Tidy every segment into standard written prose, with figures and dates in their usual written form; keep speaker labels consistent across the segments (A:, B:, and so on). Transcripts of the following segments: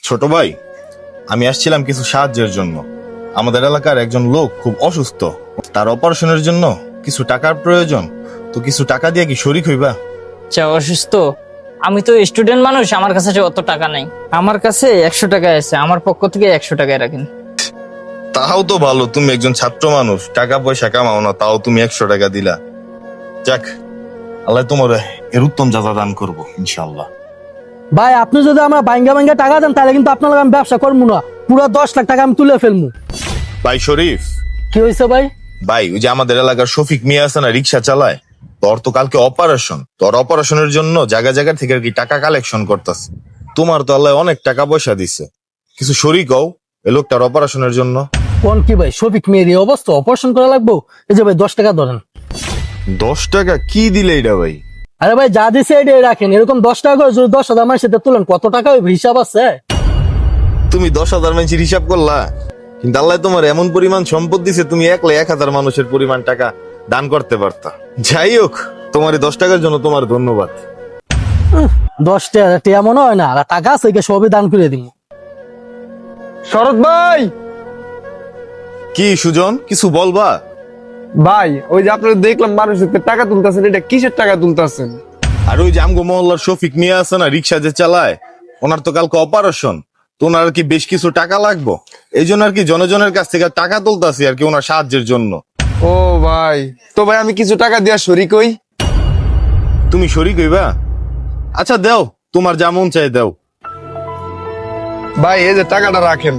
A: ছোট ভাই, আমি আসছিলাম কিছু সাহায্যের জন্য। আমাদের এলাকার একজন লোক খুব অসুস্থ, তার অপারেশনের জন্য কিছু টাকার প্রয়োজন। তো কিছু টাকা দিয়ে কি শরিক হইবা?
B: আচ্ছা, অসুস্থ? আমি তো স্টুডেন্ট মানুষ, আমার কাছে অত টাকা নাই। আমার কাছে 100 টাকা আছে, আমার পক্ষ থেকে 100 টাকায় রাখেন।
A: তাও তো ভালো, তুমি একজন ছাত্র মানুষ, টাকা পয়সা কামাও না, তাও তুমি 100 টাকা দিলা। যাক, আল্লাহ তোমার এর উত্তম যাজা দান করবো ইনশাল্লাহ।
C: ভাই আপনি যদি আমার বাইঙ্গা বাইঙ্গা টাকা দেন তাহলে কিন্তু আপনার লগে আমি ব্যবসা করবো না, পুরো 10 লাখ টাকা আমি তুলে ফেলবো।
A: ভাই শরীফ,
C: কি হয়েছে ভাই?
A: ভাই ওই যে আমাদের এলাকার শফিক মিয়া আছে না, রিক্সা চালায়, তোর তো কালকে অপারেশন। তোর অপারেশনের জন্য জায়গা জায়গা থেকে আর কি টাকা কালেকশন করতেছে। তোমার তো আল্লাহ অনেক টাকা পয়সা দিছে, কিছু শরিক হও এই লোকটার অপারেশনের জন্য।
C: কোন কি ভাই, শফিক মেয়ের এই অবস্থা, অপারেশন করা লাগবো? এই যে ভাই 10 টাকা ধরেন।
A: 10 টাকা কি দিলে এটা ভাই?
C: আরে ভাই যা দিছে এটাই রাখেন, এরকম 10 টাকা করে যদি 10,000 মানুষের সাথে তুলেন কত টাকা হইবে হিসাব আছে?
A: তুমি 10,000 মানুষের হিসাব করলা, কিন্তু আল্লাহ তোমার এমন পরিমাণ সম্পদ দিছে, তুমি একলা 1,000 মানুষের পরিমাণ টাকা দান করতে পারতা। যাই হোক, তোমার এই 10 টাকার জন্য তোমার ধন্যবাদ।
C: 10 টাকা টিয়া মনে হয় না, আর টাকা আছে একে সবই দান করে দিব।
D: শরৎ ভাই,
A: কি সুজন, কিছু বলবা?
D: ভাই ওই যে আপনারা দেখলাম মানুষের টাকা তুলতেছেন, এটা কিসের টাকা তুলতেছেন?
A: আর ওই যে আমগো মহল্লার শফিক মিয়া আছে না, রিক্সা যে চালায়, ওনার তো কালকে অপারেশন। তো ওনার আর কি বেশ কিছু টাকা লাগবো, এই জন্য আর কি জনজনের কাছ থেকে টাকা তুলতাছি আর কি ওনার সাহায্যের জন্য।
D: ও ভাই, তো ভাই আমি কিছু টাকা দিয়া শরিক হই।
A: তুমি শরিক হইবা? আচ্ছা দেও, তোমার যা মন চাই দেও।
D: ভাই এই যে টাকাটা রাখেন।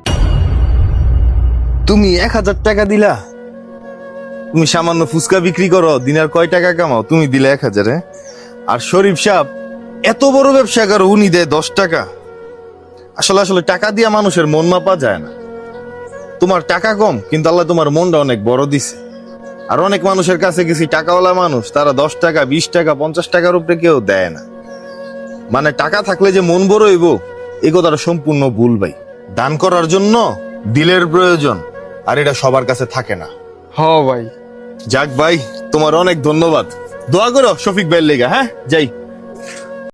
A: তুমি 1,000 টাকা দিলা? তুমি সামান্য ফুচকা বিক্রি করো, দিনের কয় টাকা কামাও, তুমি দিলে 1,000? আর শরীফ সাহেব এত বড় ব্যবসা করো, উনি দেয় 10 টাকা। আসলে আসলে টাকা দিয়া মানুষের মন মাপা যায় না। তোমার টাকা কম, কিন্তু আল্লাহ তোমার মনটা অনেক বড় দিছে। আর অনেক মানুষের কাছে গেছি, টাকাওয়ালা মানুষ, তারা 10 টাকা 20 টাকা 50 টাকার উপরে কেউ দেয় না। মানে টাকা থাকলে যে মন বড় হইব, এই কথাটা সম্পূর্ণ ভুল ভাই। দান করার জন্য দিলের প্রয়োজন, আর এটা সবার কাছে থাকে না।
D: হ ভাই।
A: যাক ভাই, তোমার অনেক ধন্যবাদ। দোয়া করো শফিক ভাইয়ের লেগা। হ্যাঁ, যাই।